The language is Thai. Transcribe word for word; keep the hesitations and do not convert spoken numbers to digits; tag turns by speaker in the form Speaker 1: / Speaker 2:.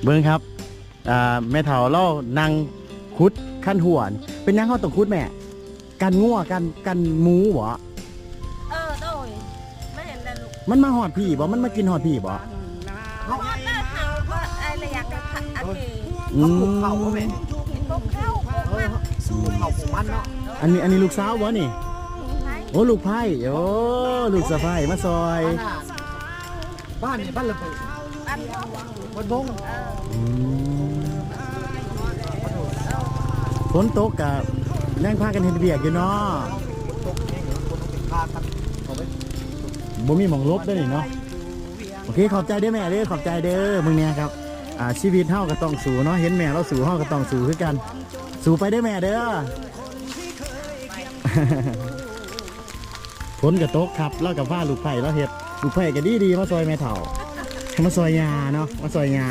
Speaker 1: เบิ้งครับอ่าแม่เฒ่าเล่านั่งคุดขั้นหวนเป็นยังเขาต้องคุดแม่กันงัวกันกันหมูบ่
Speaker 2: เออโดยไม่เห็นเลยลูก
Speaker 1: มันมาหอดพี่บ่มันมากินหอดพี่บ่
Speaker 2: พอได้เห่าก็อะไรอยากจะทำอันนี้
Speaker 1: อื
Speaker 3: เขาปลูกเขาแม่
Speaker 2: กินพวกข้าวพวกมัน
Speaker 3: เขาปลูกมันเนาะ
Speaker 1: อันนี้อันนี้ลูกสาวบ่นี่
Speaker 2: ใช่
Speaker 1: โอ้ลูกไผ่โอ้ลูกสะใภ้มาซอย
Speaker 3: บ้านนี่บ้านระเบิด
Speaker 2: อันพวก
Speaker 3: บ้านบง
Speaker 2: เออ
Speaker 1: อืมฝนตกกะยังพากันเฮ็ดเวียกอยู่เนาะ
Speaker 3: ตกเองเหรอคนต้องพากันเอาไป
Speaker 1: บ่มีหม่องลบเด้อนี่เนาะโอเคขอบใจเด้อแม่เด้อขอบใจเด้อมึงเนี่ยครับอ่าชีวิตเฮาก็ต้องสู้เนาะเห็นแม่เราสู้เฮาก็ต้องสู้คือกันสู้ไปเด้อแม่เด้อ ฝนก็ตกครับแล้วกับว่าลูกไผ่เราเฮ็ดลูกไผ่ก็ดีดีๆมาซอยแม่เฒ่ามาซอยยาเนาะมาซอยยา